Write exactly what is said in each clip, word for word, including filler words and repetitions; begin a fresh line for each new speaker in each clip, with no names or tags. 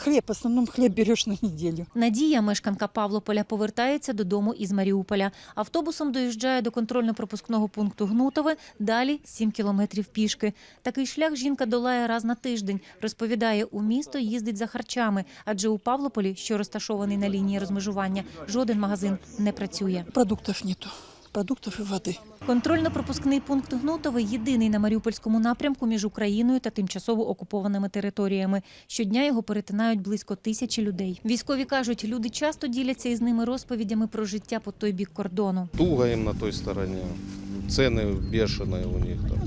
хлеб, в основном хлеб берешь на неделю.
Надія, мешканка Павлополя, повертається додому із Маріуполя. Автобусом доїжджає до контрольно-пропускного пункту Гнутове, далі сім кілометрів пішки. Такий шлях жінка долає раз на тиждень. Розповідає, у місто їздить за харчами, адже у Павлополі, що розташований на лінії розмежування, жоден магазин не працює.
Продуктов нету. Продуктов и воды.
Контрольно-пропускний пункт Гнутове – єдиний на Маріупольському напрямку між Україною та тимчасово окупованими територіями. Щодня його перетинають близько тисячі людей. Військові кажуть, люди часто діляться із ними розповідями про життя по той бік кордону.
Туго їм на той стороні, ціни бешені у них там.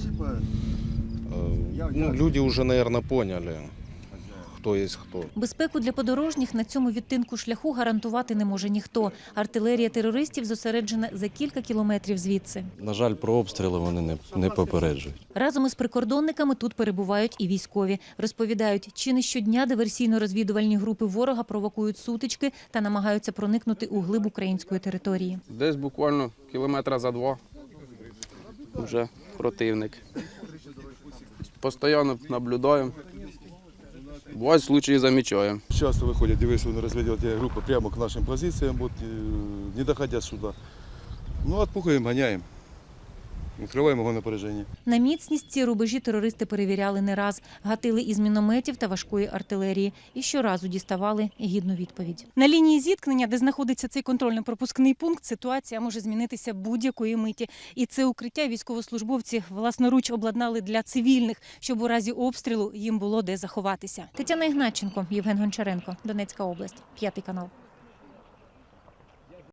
Ну, люди вже, мабуть, поняли, хто є хто.
Безпеку для подорожніх на цьому відтинку шляху гарантувати не може ніхто. Артилерія терористів зосереджена за кілька кілометрів звідси.
На жаль, про обстріли вони не, не попереджують.
Разом із прикордонниками тут перебувають і військові. Розповідають, чи не щодня диверсійно-розвідувальні групи ворога провокують сутички та намагаються проникнути у глиб української території.
Десь буквально кілометра за два вже противник. Постійно наблюдаємо. Бувають случаї замічаємо.
Часто выходят диверсионно-разведывательные группы прямо к нашим позициям, вот, не доходя сюда. Ну, отпугиваем, гоняем, открываем огонь на поражение.
На міцність ці рубежі терористи перевіряли не раз. Гатили із мінометів та важкої артилерії. І щоразу діставали гідну відповідь. На лінії зіткнення, де знаходиться цей контрольно-пропускний пункт, ситуація може змінитися будь-якої миті. І це укриття військовослужбовці власноруч обладнали для цивільних, щоб у разі обстрілу їм було де заховатися. Тетяна Ігнатченко, Євген Гончаренко, Донецька область, п'ятий канал.